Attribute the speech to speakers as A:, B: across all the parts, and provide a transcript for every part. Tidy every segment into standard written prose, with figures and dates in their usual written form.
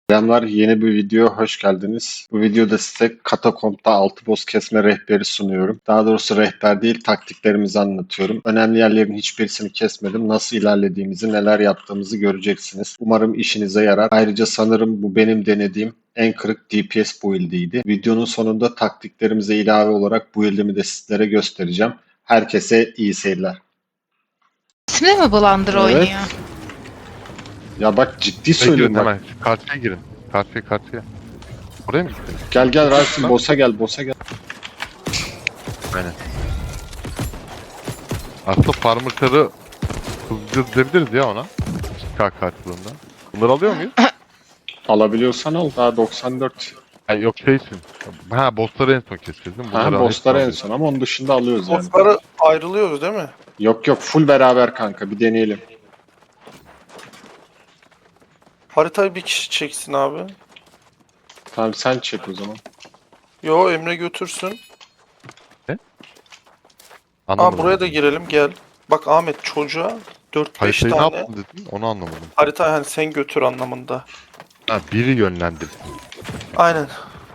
A: Selamlar, yeni bir videoya hoş geldiniz. Bu videoda size Katakomb'da 6 boss kesme rehberi sunuyorum. Daha doğrusu rehber değil, taktiklerimizi anlatıyorum. Önemli yerlerin hiçbirisini kesmedim. Nasıl ilerlediğimizi, neler yaptığımızı göreceksiniz. Umarım işinize yarar. Ayrıca sanırım bu benim denediğim en kırık DPS build'iydi. Videonun sonunda taktiklerimize ilave olarak build'imi de sizlere göstereceğim. Herkese iyi seyirler.
B: İsmi mi Blunder
A: Evet.
B: oynuyor?
A: Ya bak ciddi
C: Girin
A: söylüyorum bak.
C: hemen. Karşıya girin. Karşıya. Oraya mı gittiniz?
A: Gel Rasim, boss'a gel.
C: Aynen. Aslında farmer'ları hızlandırabiliriz ya ona. K karşılığında. Bunları alıyor muyuz?
A: Alabiliyorsan al, daha 94.
C: Hayır yok şeysin. Ha bossları en son keseceğiz değil mi?
A: Ha,
C: Bunları
A: bossları en
C: alıyoruz.
A: son ama onun dışında alıyoruz yani.
D: Bosslara ayrılıyoruz değil mi?
A: Yok full beraber kanka, bir deneyelim.
D: Haritayı bir kişi çeksin abi.
A: Tamam sen çek o zaman.
D: Yo, Emre götürsün.
C: Anlamadım.
D: Buraya da girelim gel. Bak Ahmet, çocuğa 4-5
C: Haritayı ne
D: tane
C: yaptın dedin? Onu anlamadım.
D: harita, hani sen götür anlamında.
C: Ha biri yönlendir.
D: Aynen.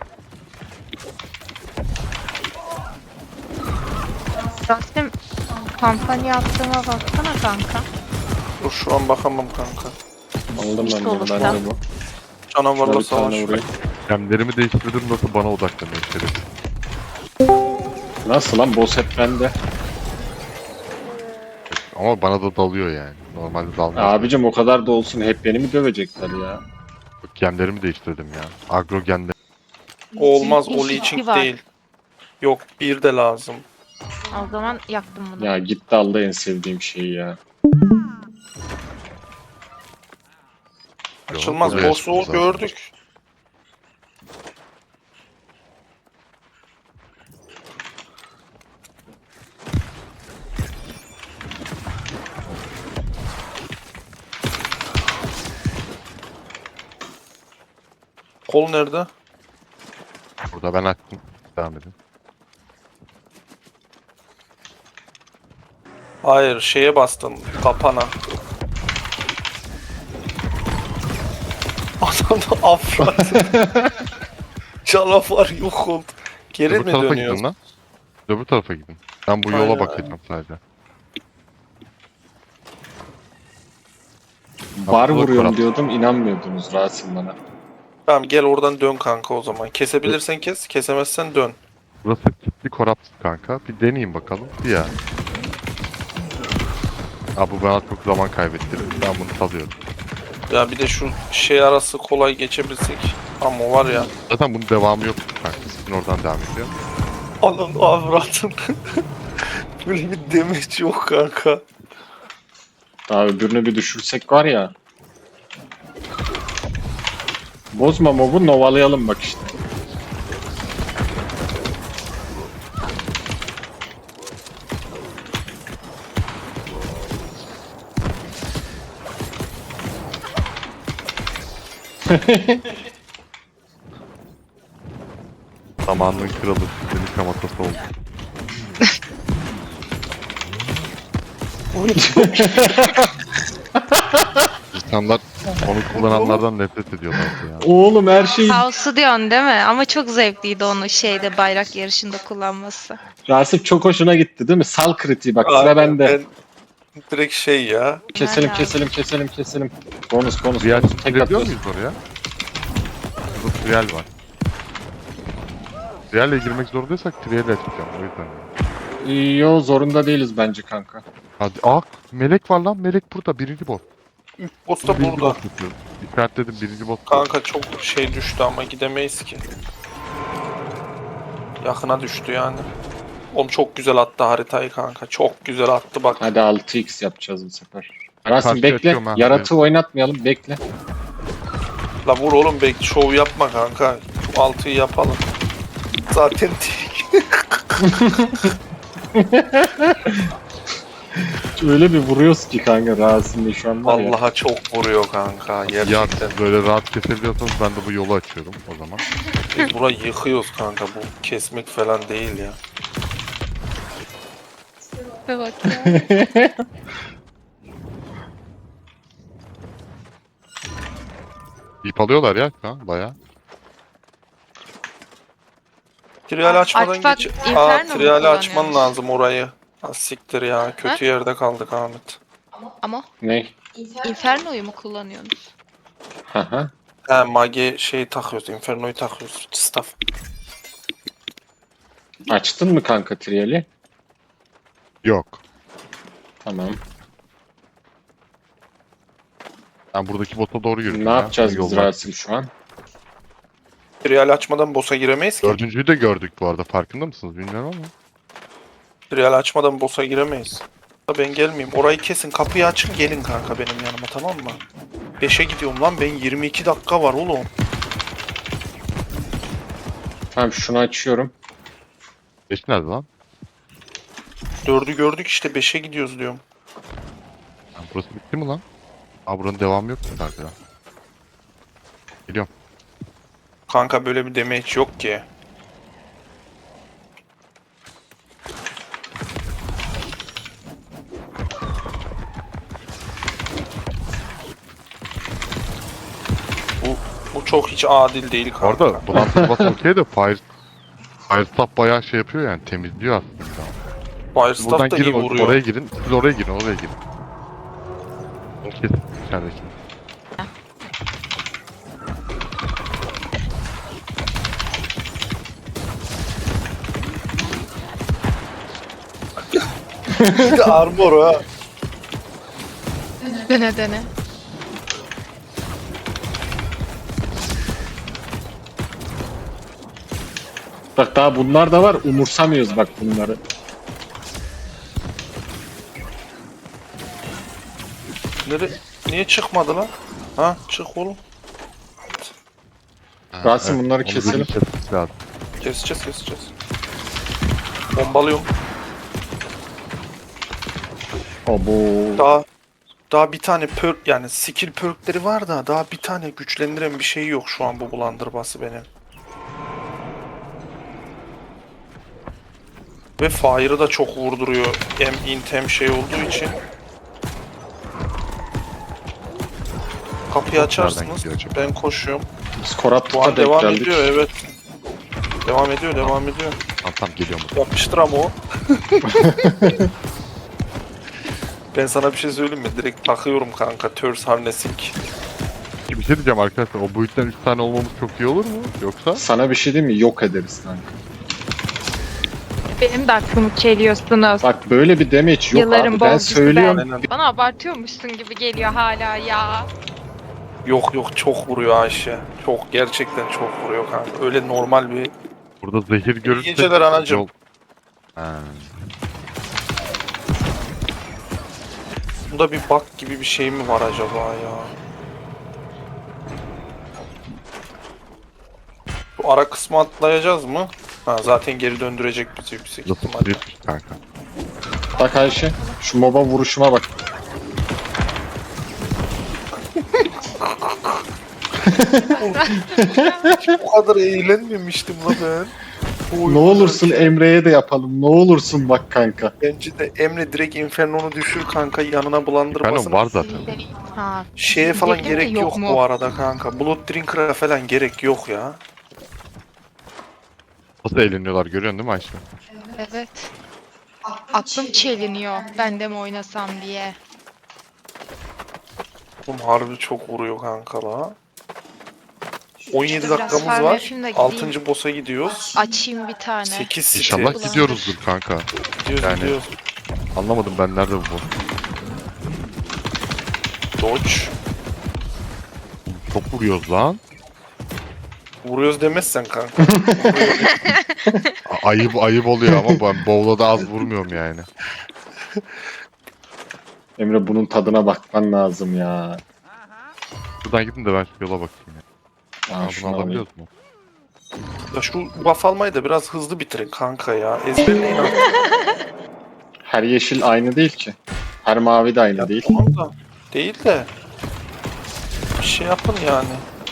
B: Rasim kampanya attığıma baksana kanka.
D: Dur şu an bakamam kanka.
A: Aldım
B: İşte
A: ben bunu,
B: olursa.
A: ben de bu. Şuna
D: Canavarla
A: bir tane
D: savaş.
A: vurayım.
C: Gemlerimi değiştirdim nasıl bana odaklanıyor içeri.
A: Nasıl lan, boss hep bende.
C: Ama bana da dalıyor yani. Normalde dalmıyor.
A: Abicim o kadar da olsun, hep beni mi dövecekler ya?
C: Gemlerimi değiştirdim ya. Agro gemleri.
D: O olmaz, o
B: İki
D: leeching
B: var.
D: değil. Yok, bir de lazım.
B: O zaman yaktım bunu.
A: Ya gitti aldı en sevdiğim şeyi ya.
D: Açılmaz,
C: buraya
D: boss'u
C: açmamız lazım.
D: gördük. Kol nerede?
C: Burada ben açtım. Devam edin.
D: Hayır, şeye bastın, kapana. Adam da afrat. Canavar yok oldu. Geri
C: Öbür
D: mi
C: tarafa
D: dönüyoruz?
C: gidin lan. Öbür tarafa gidin. Ben bu yola
D: Aynen,
C: bakacağım sadece.
A: Bar
C: Abdullah
A: vuruyorum
C: Korat.
A: diyordum, inanmıyordunuz Rasim bana.
D: Tamam, gel oradan dön kanka o zaman. Kesebilirsen kes, kesemezsen dön.
C: Burası kilitli korapsız kanka. Bir deneyeyim bakalım. Ya. Aa, bu bana çok zaman kaybettirir. Ben bunu salıyorum.
D: Ya bir de şu şey arası kolay geçebilsek. Ama var ya.
C: Zaten bunun devamı yok kanka. Sizin oradan devam ediyor.
D: Anam avratım. Böyle bir demeç yok kanka.
A: Daha öbürünü bir düşürsek var ya. Bozma mobu, novalayalım bak işte.
C: Zamanının kralı sizin kamatası oldu. İnsanlar onu kullananlardan nefret ediyorlar ya.
A: Oğlum her şey...
B: House'u diyorsun değil mi? Ama çok zevkliydi onu şeyde bayrak yarışında kullanması.
A: Rasim çok hoşuna gitti değil mi? Sal kritiği bak, sıra
D: Aynen,
A: bende.
D: ben direkt şey ya.
A: Keselim
B: Nerede
A: keselim. Bonus.
C: Real
A: Tek
C: girebiliyor
A: atıyoruz.
C: muyuz oraya? Burada Real var. Real'e girmek zorundaysak Real'e açacağım o yüzden.
A: Yo, zorunda değiliz bence kanka.
C: Hadi melek var lan, melek burada, birinci bot.
D: Boss da
C: Birinci
D: burada.
C: bot tutuyorum. İşaretledim, birinci bot.
D: Kanka çok şey düştü ama gidemeyiz ki. Yakına düştü yani. Oğlum çok güzel attı haritayı kanka. Çok güzel attı bak.
A: Hadi 6x yapacağız bu sefer. Rasim
C: Karşı
A: bekle.
C: açıyorum ha,
A: Yaratığı oynatmayalım, bekle.
D: La vur oğlum, belki şov yapma kanka. Şu 6'yı yapalım. Zaten değil.
A: Öyle bir vuruyoruz ki kanka Rasim'le şu an var ya.
D: Vallahi çok vuruyor kanka.
C: Ya
D: Gerçekten.
C: böyle rahat kesebiliyorsanız ben de bu yolu açıyorum o zaman.
D: Biz burayı yıkıyoruz kanka. Bu kesmek falan değil ya.
B: Ve bak ya.
C: İp alıyorlar ya şu an baya.
D: Trial açmadan
B: Akbak
D: geç.
B: Inferno mu
D: Trial açman
B: kullanıyormuş?
D: lazım orayı. Ha, siktir ya. Kötü yerde kaldık Ahmet.
B: Ama
A: Ne?
B: Inferno'yu mu kullanıyorsunuz?
A: Haha.
D: He mage şeyi takıyoruz. Inferno'yu takıyoruz. Staff.
A: Açtın mı kanka triyeli?
C: Yok.
A: Tamam.
C: Ben buradaki bota doğru yürüdüm
A: Ne
C: ya.
A: yapacağız biz
C: Yollar.
A: Rasim şu an?
D: Trial açmadan boss'a giremeyiz ki.
C: Dördüncüyü de gördük bu arada. Farkında mısınız bilmiyorum ama.
D: Trial açmadan boss'a giremeyiz. Ben gelmeyeyim. Orayı kesin. Kapıyı açın gelin kanka benim yanıma, tamam mı? 5'e gidiyorum lan. Ben 22 dakika var oğlum.
A: Tamam şunu açıyorum.
C: Beş nerede lan?
D: 4'ü gördük işte, 5'e gidiyoruz diyorum.
C: Yani burası bitti mi lan? Aa buranın devamı yok mu kanka? Geliyorum.
D: Kanka böyle bir damage yok ki. Bu çok hiç adil değil kanka.
C: Orada Blood Plus okey de Firestaff bayağı şey yapıyor yani temizliyor aslında. Buradan
D: Firestaff da iyi
C: girin
D: vuruyor.
C: oraya girin. Siz oraya girin oraya girin. O kesin içerideki.
D: Bir de armor ha.
B: Dene dene.
A: Bak daha bunlar da var. Umursamıyoruz bak bunları.
D: Niye çıkmadı lan? Ha çık oğlum.
A: Rasim, bunları
C: onu
A: keselim.
C: bir kesmemiz lazım.
D: Keseceğiz. Bombalıyorum.
A: Abo.
D: Daha bir tane perk, yani skill perkleri var da daha bir tane güçlendiren bir şey yok şu an bu bulandırması benim. Ve Fire'ı da çok vurduruyor. Hem int hem şey olduğu için. Kapıyı açarsınız.
C: gidiyor acaba?
D: Ben koşuyorum.
A: Biz
D: Bu
A: Koratlık'a
D: an
A: denk
D: devam
A: geldik.
D: ediyor, evet. Devam ediyor.
C: Tamam geliyorum.
D: Yapmıştır ama o. Ben sana bir şey söyleyeyim mi? Direkt takıyorum kanka. Thirst Harnessing.
C: Bir şey diyeceğim arkadaşlar. O boyuttan 3 tane olmamız çok iyi olur mu? Yoksa?
A: Sana bir şey diyeyim mi? Yok ederiz kanka.
B: Benim de aklımı çeliyorsunuz.
A: Bak böyle bir damage yok
B: Yılların
A: abi. Ben
B: bolcusu
A: söylüyorum.
D: Aynen.
B: Bana abartıyormuşsun gibi geliyor hala ya.
D: Yok çok vuruyor Ayşe. Çok, gerçekten çok vuruyor kanka. Öyle normal bir...
C: Burada zehir görürsek...
D: geceler anacım.
C: Yol- Ha.
D: Bunda bir bug gibi bir şey mi var acaba ya? Bu ara kısmı atlayacağız mı? Ha zaten geri döndürecek bizi yüksek
C: Burası
D: ihtimalle.
C: kritik kanka.
A: Bak Ayşe. Şu moba vuruşuma bak.
D: Bu kadar eğlenmemiştim la ben. Bu
A: Ne
D: oyunu
A: olursun
D: oynarken.
A: Emre'ye de yapalım. Ne olursun bak kanka.
D: Bence de Emre direkt Inferno'nu düşür kanka, yanına bulandırmasın.
C: Efendim var zaten.
B: Ha.
D: Şeye falan
B: Zehir de
D: gerek yok
B: mu?
D: bu arada kanka. Blood Drinker'a falan gerek yok ya.
C: Nasıl eğleniyorlar görüyorsun değil mi Ayşe?
B: Evet. Aklım çeliniyor. Ben de mi oynasam diye.
D: Oğlum harbi çok vuruyor kanka la. 17
B: Biraz
D: dakikamız
B: farm
D: var.
B: yapayım da gideyim.
D: 6. boss'a gidiyoruz.
B: Açayım bir tane.
D: 8 site.
C: İnşallah
B: Ulandır.
C: gidiyoruzdur kanka.
D: Gidiyoruz,
C: Yani-
D: gidiyoruz.
C: Anlamadım ben nerede bu?
D: Dodge.
C: Çok vuruyoruz lan.
D: Vuruyoruz demezsen kanka.
C: Ayıp oluyor ama ben bowl'a da az vurmuyorum yani.
A: Emre bunun tadına bakman lazım ya.
C: Buradan gidin de ben şu yola bakayım ya.
A: Aa,
C: Aa, bunu
A: şunu alayım.
C: alabiliyoruz mu?
D: Ya şu buff almayı da biraz hızlı bitirin kanka ya. Ezberleyin artık.
A: Her yeşil aynı değil ki. Her mavi de aynı
D: Ya
A: değil.
D: tamam da. Değil de. Bir şey yapın yani.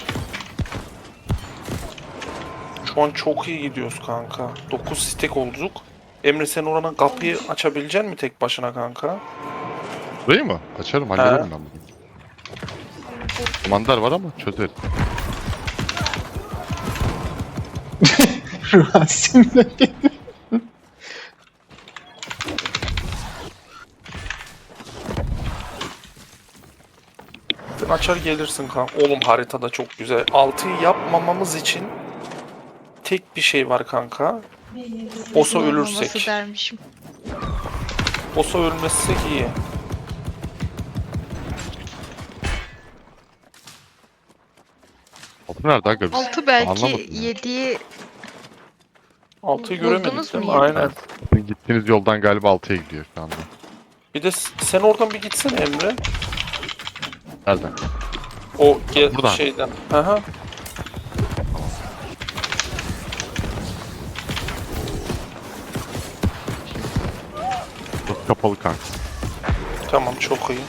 D: Şu an çok iyi gidiyoruz kanka. 9 stack olduk. Emre sen oranın kapıyı açabilecek mi tek başına kanka?
C: Burayı mı? Açarım hallederim ben bunu. Komandar var ama çözeriz.
A: Rasim'le
D: Sen açar gelirsin kanka. Oğlum haritada çok güzel. 6'yı yapmamamız için tek bir şey var kanka. Boss'a
B: Olmaması
D: ölürsek.
B: dermişim.
D: Boss'a ölmezsek iyi.
C: Altı nerede aga? biz?
B: 6 belki
C: Anlamadım ya.
B: 7'yi
D: 6'yı
B: Buldunuz
D: göremedik değil
B: mu
D: mi?
B: yedi?
D: Aynen.
C: Sizin gittiğiniz yoldan galiba 6'ya gidiyor şu anda.
D: Bir de sen oradan bir gitsene Emre.
C: Nereden?
D: O
C: Buradan.
D: şeyden. Aha.
C: Burası kapalı kanka.
D: Tamam çok iyi.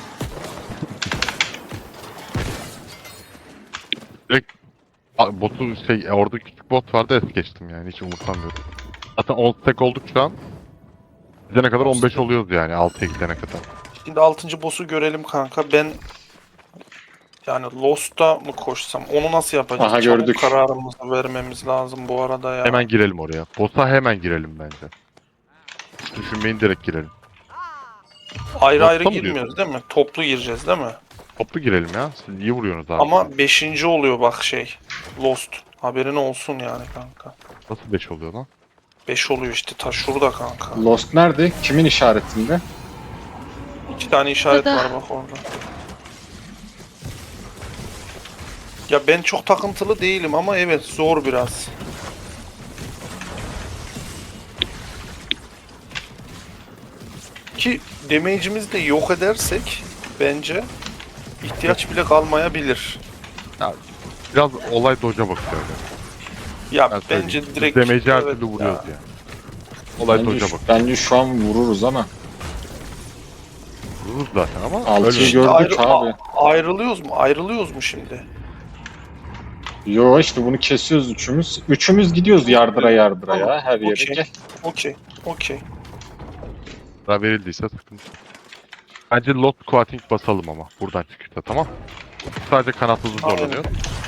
C: Direkt botu orada küçük bot vardı es geçtim yani hiç umursamıyorum. Zaten 10 stack olduk şu an. Gidene kadar 15 oluyoruz yani 6'ya gidene kadar.
D: Şimdi 6. boss'u görelim kanka. Ben yani Lost'a mı koşsam? Onu nasıl yapacağız?
A: Aha,
D: Çabuk
A: gördük.
D: kararımızı vermemiz lazım bu arada ya.
C: Hemen girelim oraya. Boss'a hemen girelim bence. Hiç düşünmeyin direkt girelim.
D: Ayrı ayrı
C: Lost'a mı
D: girmiyoruz değil mi? Toplu gireceğiz değil mi?
C: Toplu girelim ya. Siz iyi vuruyorsunuz abi.
D: Ama 5. oluyor bak şey. Lost. Haberin olsun yani kanka.
C: Nasıl 5 oluyor lan?
D: 5 oluyor işte. Ta şurada kanka.
A: Lost nerede? Kimin işaretinde?
D: 2 tane işaret
B: Burada.
D: var bak orada. Ya ben çok takıntılı değilim ama evet zor biraz. Ki damage'imizi de yok edersek bence ihtiyaç bile kalmayabilir.
C: Biraz olay doja bakıyor öyle.
D: Ya
C: Ben
D: bence
C: söyleyeyim.
D: direkt
C: Demeci her
D: evet
C: türlü
D: ya.
C: vuruyoruz yani. Olay doja bak.
A: Bence şu an vururuz ama.
C: Vururuz zaten ama
A: 6'yı
C: ölmeyiz.
A: gördük abi.
D: Ayrılıyoruz mu? Ayrılıyoruz mu şimdi?
A: Yo işte bunu kesiyoruz üçümüz. Üçümüz gidiyoruz yardıra yardıra ya her yere.
D: Okey.
A: Gel.
D: Okey. Okey.
C: Daha verildiyse sıkıntı. Bence lot quating basalım ama buradan çıkışta tamam. Sadece kanatsızı
D: Aynen.
C: zorlanıyor.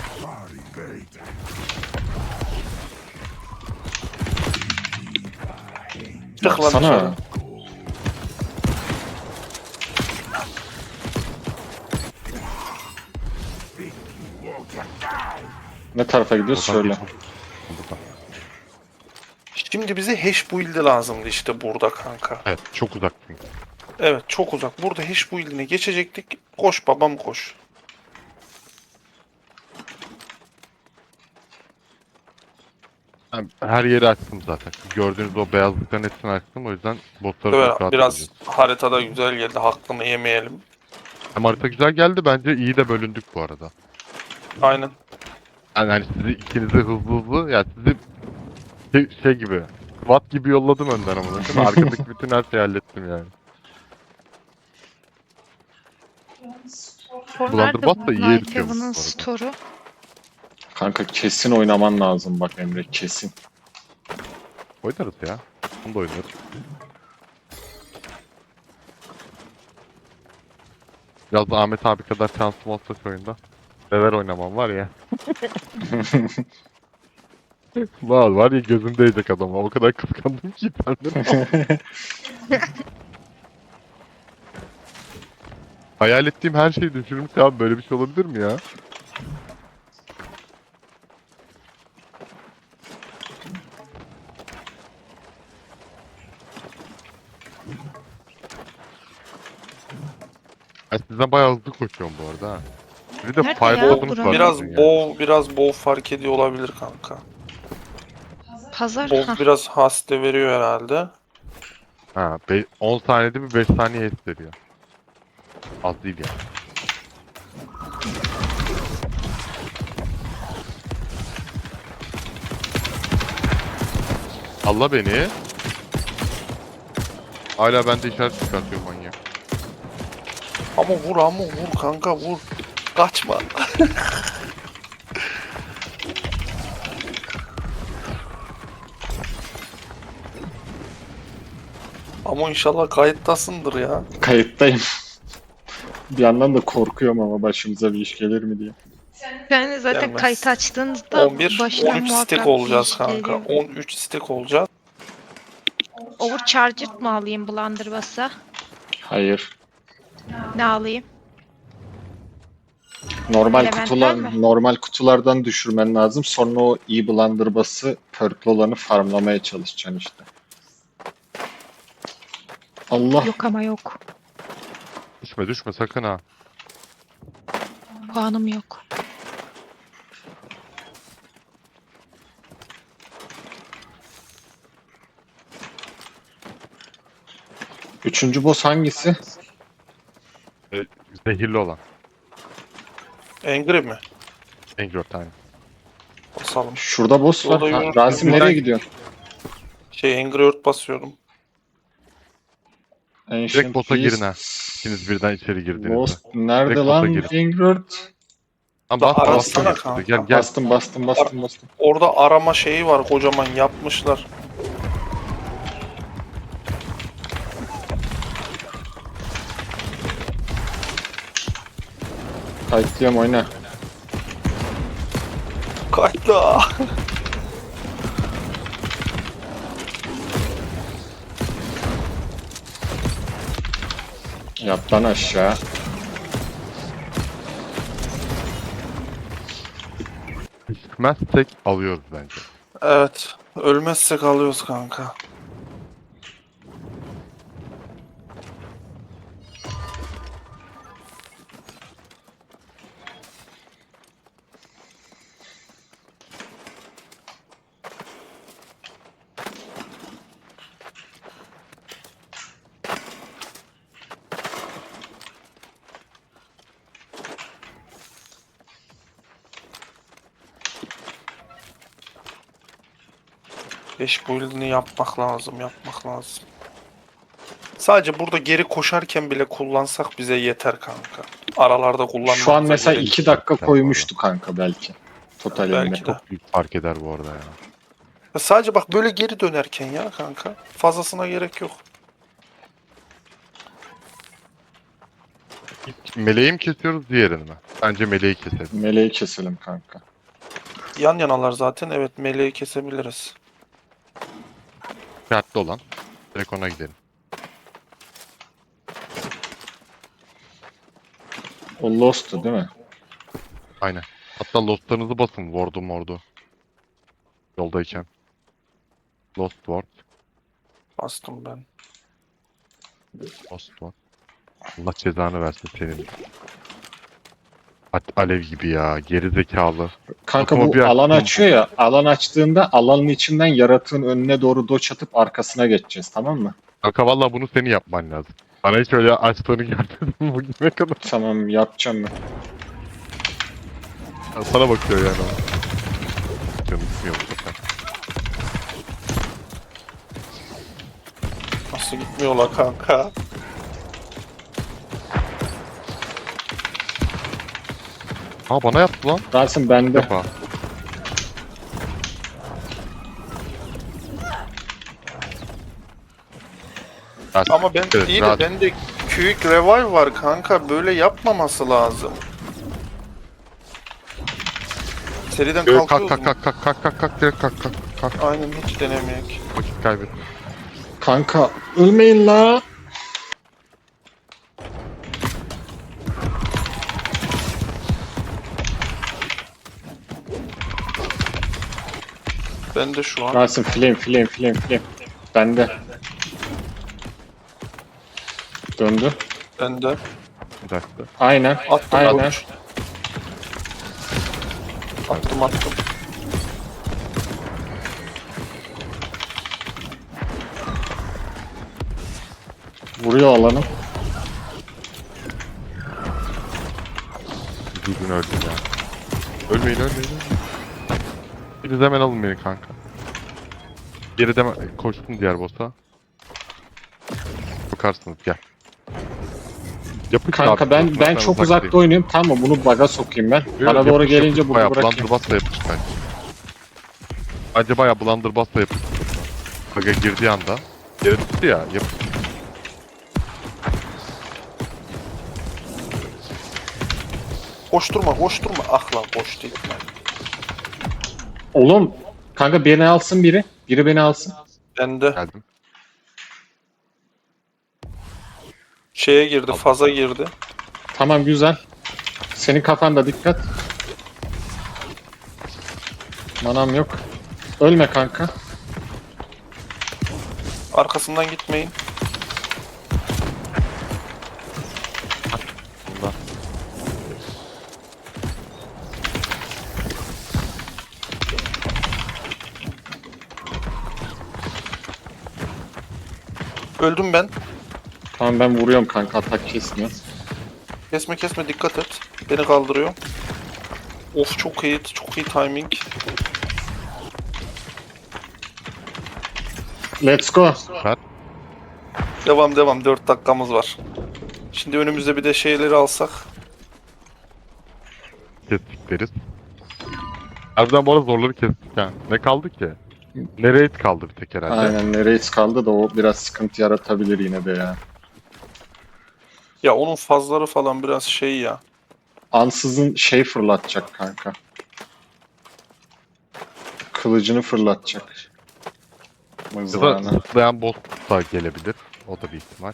D: Çık lan
A: Sana
D: dışarı.
A: ne tarafa gidiyoruz
C: Oradan
A: şöyle.
C: geçelim. Buradan.
D: Şimdi bize hash build'i lazımdı işte burada kanka.
C: Evet çok uzak çünkü.
D: Evet çok uzak. Burada hash build'ine geçecektik. Koş babam koş.
C: Ben her yeri açtım zaten. Gördüğünüz o beyazlıkların hepsini açtım o yüzden botları
D: Evet,
C: çok rahat
D: biraz
C: edeceğiz.
D: haritada güzel geldi. Hakkını yemeyelim.
C: Hem harita güzel geldi bence iyi de bölündük bu arada.
D: Aynen.
C: Yani hani sizi ikinizi hızlı yani sizi şey gibi SWAT gibi yolladım önden ama arkadaki bütün her şeyi hallettim yani. Blunderbuss da iyi
B: Night
C: eritiyormuş bu
B: Heaven'ın
C: arada.
B: store'u.
A: Kanka kesin oynaman lazım bak Emre kesin.
C: Oynarız ya. Bunu da oynarız. Biraz da Ahmet abi kadar şansım olsa şu oyunda. Sever oynamam var ya. var ya gözüm değecek adama. O kadar kıskandım ki senden. Hayal ettiğim her şeyi düşürmüş abi. Böyle bir şey olabilir mi ya? Ben sizden bayağı hızlı koşuyorum bu arada ha. Bir de
B: Nerede
C: fire
B: ya?
C: botunuz
B: Buranın.
C: var.
D: Biraz
C: sizin ya.
D: bow fark ediyor olabilir kanka.
B: Pazar.
D: Bow
B: Hah.
D: biraz haste veriyor herhalde.
C: Ha, 10 saniyede bir 5 saniye es veriyor. Az değil yani. Allah beni. Hala bende işaret çıkartıyor manyak.
D: Ama vur kanka vur. Kaçma. Ama inşallah kayıttasındır ya.
A: Kayıttayım. Bir yandan da korkuyorum ama başımıza bir iş gelir mi diye.
B: Ben zaten
D: Gelmez.
B: kayıt açtığınızda
D: 11,
B: başına
D: 13
B: muhakkak
D: stack
B: bir
D: olacağız
B: iş
D: kanka.
B: geliyor.
D: 13 stack olacağız.
B: Overcharged mı alayım Blunderbuss'a?
A: Hayır.
B: Ne alayım?
A: Normal
B: Mi?
A: normal kutulardan düşürmen lazım. Sonra o iyi blunderbuss'ı perk'lü olanı farmlamaya çalışacaksın işte. Allah.
B: Yok ama yok.
C: Düşme sakın ha.
B: Puanım yok.
A: Üçüncü boss hangisi?
C: Zehirli olan.
D: Angry mi?
C: Angry tane.
D: Basalım.
A: Şurada boss var.
D: Yolda
A: Ha,
D: yürü-
A: Rasim
C: Buradan-
A: nereye gidiyorsun?
D: Angry Bird basıyorum.
A: Ancient
C: boss'a girin ha.
A: Beast.
C: İkiniz birden içeri girdiğinizde.
A: Boss nerede
C: Direkt
A: lan?
C: boss'a girin.
A: Ingrid.
C: Lan
D: Da
C: bas
D: arasana
C: bas.
D: kanka.
C: Gel.
A: Bastım.
D: Orada arama şeyi var, kocaman yapmışlar.
A: Kayıtlıyorum oyna.
D: Kayda.
A: Yat lan aşağı.
C: Düşmezsek alıyoruz bence.
D: Evet. Ölmezsek alıyoruz kanka. Beş build'ini yapmak lazım. Sadece burada geri koşarken bile kullansak bize yeter kanka. Aralarda kullanmamıza
A: Şu an mesela
D: gerek
A: 2 dakika
C: yok.
A: koymuştu kanka belki. Totalinde.
D: Belki de.
C: Çok büyük fark eder bu arada ya.
D: Ya sadece bak böyle geri dönerken ya kanka. Fazlasına gerek yok.
C: Meleği mi kesiyoruz diğerini mi? Bence meleği keselim.
A: Meleği keselim kanka.
D: Yan yanalar zaten. Evet, meleği kesebiliriz.
C: Dikkatli olan. Direkt ona gidelim.
A: O Lost'tu değil mi?
C: Aynen. Hatta lostlarınızı basın. Ward'u. Yoldayken. Lost ward.
D: Bastım ben.
C: Lost ward. Allah cezanı versin senin. Alev gibi ya. Geri zekalı.
A: Kanka
C: Aklıma
A: bu
C: bir
A: alan
C: aklım-
A: açıyor ya. Alan açtığında alanın içinden yaratığın önüne doğru doç atıp arkasına geçeceğiz, tamam mı?
C: Kanka valla bunu senin yapman lazım. Bana hiç öyle açtığını görmedim bugüne kadar.
A: Tamam, yapacağım ben.
C: Sana bakıyor yani o. Canım gitmiyor bu sefer.
D: Nasıl gitmiyorlar kanka?
C: Aa bana yaptı lan.
A: Rasim
C: Bir
A: bende.
C: defa.
D: Ama ben
C: Evet,
D: iyi de
C: rahat.
D: bende Quick Revive var kanka. Böyle yapmaması lazım. Seriden
C: Kalk
D: kalkıyoruz mu?
C: kalk direkt kalk.
D: Aynen, hiç denemeyek.
C: Vakit kaybet.
A: Kanka ölmeyin la.
D: Ben de şu an.
A: Rasim flame. Bende. Döndü.
D: Ben de.
C: Bir dakika.
A: Aynen.
D: Attım.
A: Aynen.
D: Attım.
A: Vuruyor alanı.
C: Bir gün öldüm ya. Ölmeyin. Biriniz hemen alın beni kanka. Geride koştum diğer boss'a. Bakarsınız gel. Yapın
A: Kanka ben çok uzakta oynuyorum. Tamam, bunu bug'a sokayım ben. Bana doğru gelince bunu bırakayım.
C: Blunderbuss'la yapış bence. Bence bayağı Blunderbuss'la yapış. Bug'a girdiği anda. Geri tuttu ya.
D: Koşturma koşturma. Ah lan koş değil.
A: Oğlum kanka beni alsın biri. Biri beni alsın.
D: Ben de
C: Geldim.
D: şeye girdi, faza girdi.
A: Tamam güzel. Senin kafanda dikkat. Manam yok. Ölme kanka.
D: Arkasından gitmeyin.
C: Bunda.
D: Öldüm ben.
A: Tamam ben vuruyorum kanka, atak kesmiyor.
D: Kesme kesme dikkat et. Beni kaldırıyor. Of çok iyi, çok iyi timing.
A: Let's go.
C: Süper.
D: Devam devam, 4 dakikamız var. Şimdi önümüzde bir de şeyleri alsak.
C: Kestik deriz. Harbiden bu arada zorları kestik yani. Ne kaldı ki? Nereye kaldı bir tek herhalde.
A: Aynen, Reis kaldı da o biraz sıkıntı yaratabilir yine de ya.
D: Ya onun fazları falan biraz şey ya.
A: Ansızın şey fırlatacak kanka. Kılıcını fırlatacak.
C: Ya da
A: Mızrağını.
C: zıplayan boss da gelebilir. O da bir ihtimal.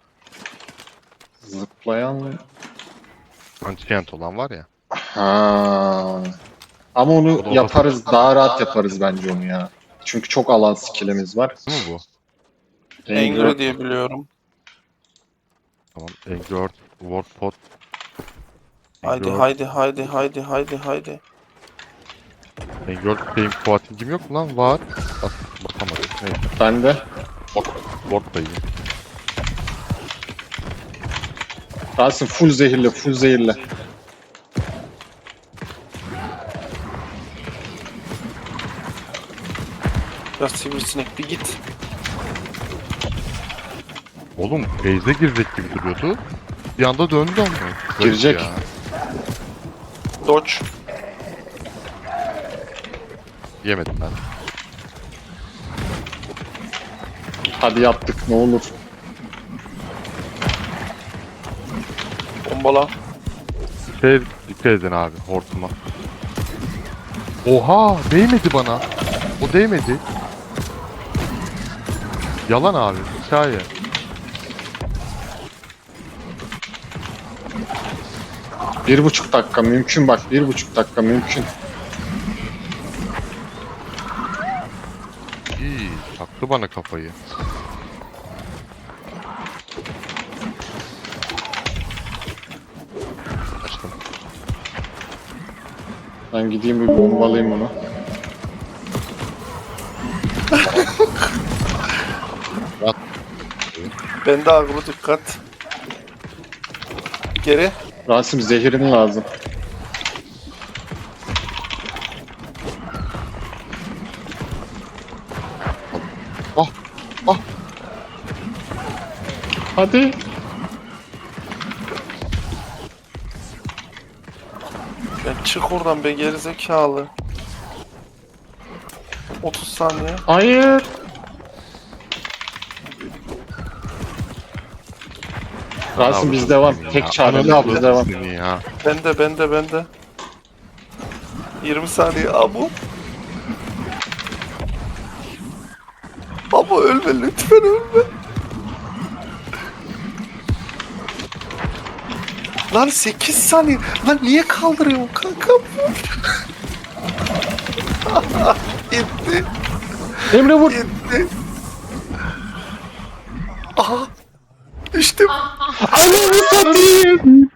A: Zıplayan...
C: Ancient olan var ya.
A: Ha. Ama onu
C: O da
A: yaparız, daha rahat yaparız bence onu ya. Çünkü çok alan skill'imiz var.
C: Değil mi bu?
D: Angry diye biliyorum.
C: Tamam. Engard, Warpod.
D: Haydi haydi haydi haydi haydi haydi.
C: Engard şeyim Fuating'im yok mu lan? Var. Bak, bakamadım. Neyse.
A: Ben de.
C: Ward da iyi.
A: Rasim full zehirle, full zehirle.
D: Biraz sivrisinek bir git.
C: Oğlum base'e girecek gibi duruyordu. Bir anda döndü ama. Garip
A: Girecek.
C: ya.
D: Dodge.
C: Yemedim ben.
A: Hadi yaptık, ne olur.
D: Bombala.
C: Dikkat edin abi hortuma. Oha değmedi bana. O değmedi. Yalan abi. Hikaye.
A: Bir buçuk dakika mümkün bak, 1,5 dakika mümkün.
C: İyi. Taktı bana kafayı. Açtım.
A: Ben gideyim bir bombalayayım onu.
D: Bende agro dikkat. Geri.
A: Rasim zehirin lazım.
C: Ah! Ah!
A: Hadi.
D: Ya çık oradan be gerizekalı. 30 saniye.
A: Hayır. Rasim biz devam. Tek çare biz devam.
C: Ya.
D: Bende. 20 saniye abu. Abu ölme lütfen ölme. Lan 8 saniye. Lan niye kaldırıyorsun kanka? Gitti.
A: Emre vur.
D: Gitti. Aha. Düştüm.
A: Ananı satayım.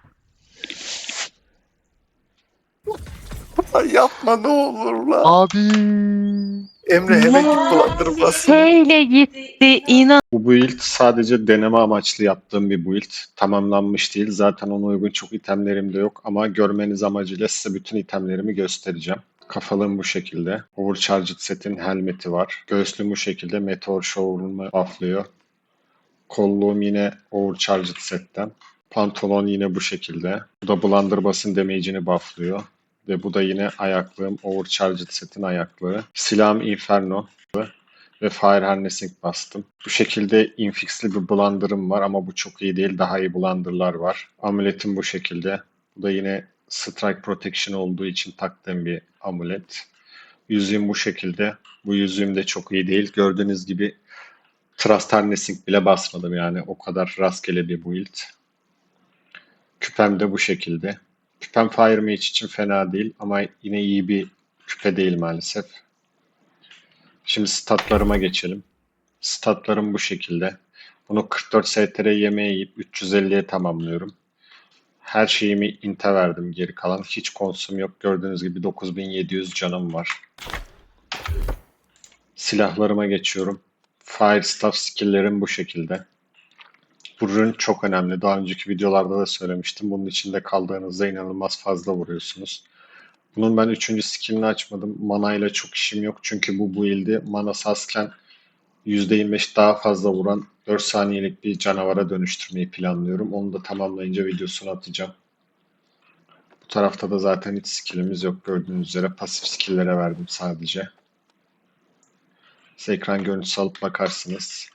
D: Lan yapma ne olur lan.
C: Abi.
D: Emre hemen git bulandırmasın.
B: Böyle gitti inan.
A: Bu build sadece deneme amaçlı yaptığım bir build. Tamamlanmış değil. Zaten ona uygun çok itemlerim de yok. Ama görmeniz amacıyla size bütün itemlerimi göstereceğim. Kafalığım bu şekilde. Overcharged setin helmeti var. Göğüslüğüm bu şekilde. Meteor Shower'ımı bufflıyor. Kolluğum yine Overcharged setten. Pantolon yine bu şekilde. Bu da Blunderbuss'ın damage'ini bufflıyor. Ve bu da yine ayaklığım. Overcharged setin ayaklığı. Silahım Inferno ve Fire Harnessing bastım. Bu şekilde infixli bir blunder'ım var ama bu çok iyi değil. Daha iyi blunder'lar var. Amuletim bu şekilde. Bu da yine Strike Protection olduğu için taktığım bir amulet. Yüzüğüm bu şekilde. Bu yüzüğüm de çok iyi değil. Gördüğünüz gibi Trust Harnessing bile basmadım yani. O kadar rastgele bir build. Küpem de bu şekilde. Küpem Fire Mage için fena değil ama yine iyi bir küpe değil maalesef. Şimdi statlarıma geçelim. Statlarım bu şekilde. Bunu 44 STR yemeğe yiyip 350'ye tamamlıyorum. Her şeyimi inte verdim geri kalan. Hiç konsum yok. Gördüğünüz gibi 9700 canım var. Silahlarıma geçiyorum. Fire Staff skill'lerim bu şekilde. Bu rune çok önemli. Daha önceki videolarda da söylemiştim. Bunun içinde kaldığınızda inanılmaz fazla vuruyorsunuz. Bunun ben 3. skill'ini açmadım. Mana ile çok işim yok. Çünkü bu build'i mana sasken %25 daha fazla vuran 4 saniyelik bir canavara dönüştürmeyi planlıyorum. Onu da tamamlayınca videosunu atacağım. Bu tarafta da zaten hiç skill'imiz yok. Gördüğünüz üzere pasif skill'lere verdim sadece. Size ekran görüntüsü alıp bakarsınız.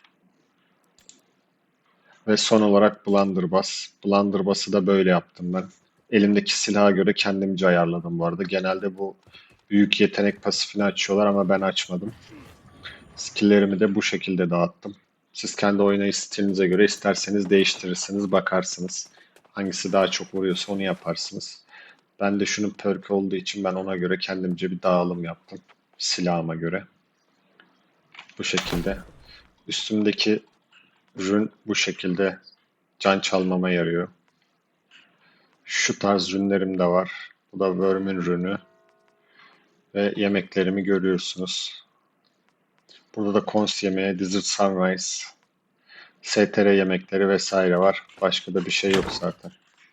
A: Ve son olarak Blunderbuss. Blunderbuss'ı da böyle yaptım ben. Elimdeki silaha göre kendimce ayarladım bu arada. Genelde bu büyük yetenek pasifini açıyorlar ama ben açmadım. Skill'lerimi de bu şekilde dağıttım. Siz kendi oynayış stilinize göre isterseniz değiştirirsiniz, bakarsınız. Hangisi daha çok vuruyorsa onu yaparsınız. Ben de şunun perk olduğu için ben ona göre kendimce bir dağılım yaptım. Silahıma göre. Bu şekilde. Üstümdeki rune bu şekilde can çalmama yarıyor. Şu tarz rünlerim de var. Bu da Worm'ün rünü. Ve yemeklerimi görüyorsunuz. Burada da Cons yemeği, Desert Sunrise, STR yemekleri vesaire var. Başka da bir şey yok zaten.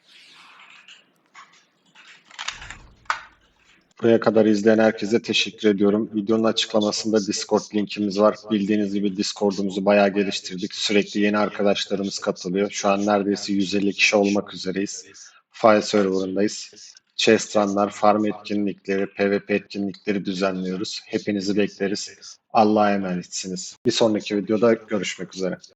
A: Buraya kadar izleyen herkese teşekkür ediyorum. Videonun açıklamasında Discord linkimiz var. Bildiğiniz gibi Discord'umuzu bayağı geliştirdik. Sürekli yeni arkadaşlarımız katılıyor. Şu an neredeyse 150 kişi olmak üzereyiz. File serverındayız. Chest run'lar, farm etkinlikleri, PvP etkinlikleri düzenliyoruz. Hepinizi bekleriz. Allah'a emanetsiniz. Bir sonraki videoda görüşmek üzere.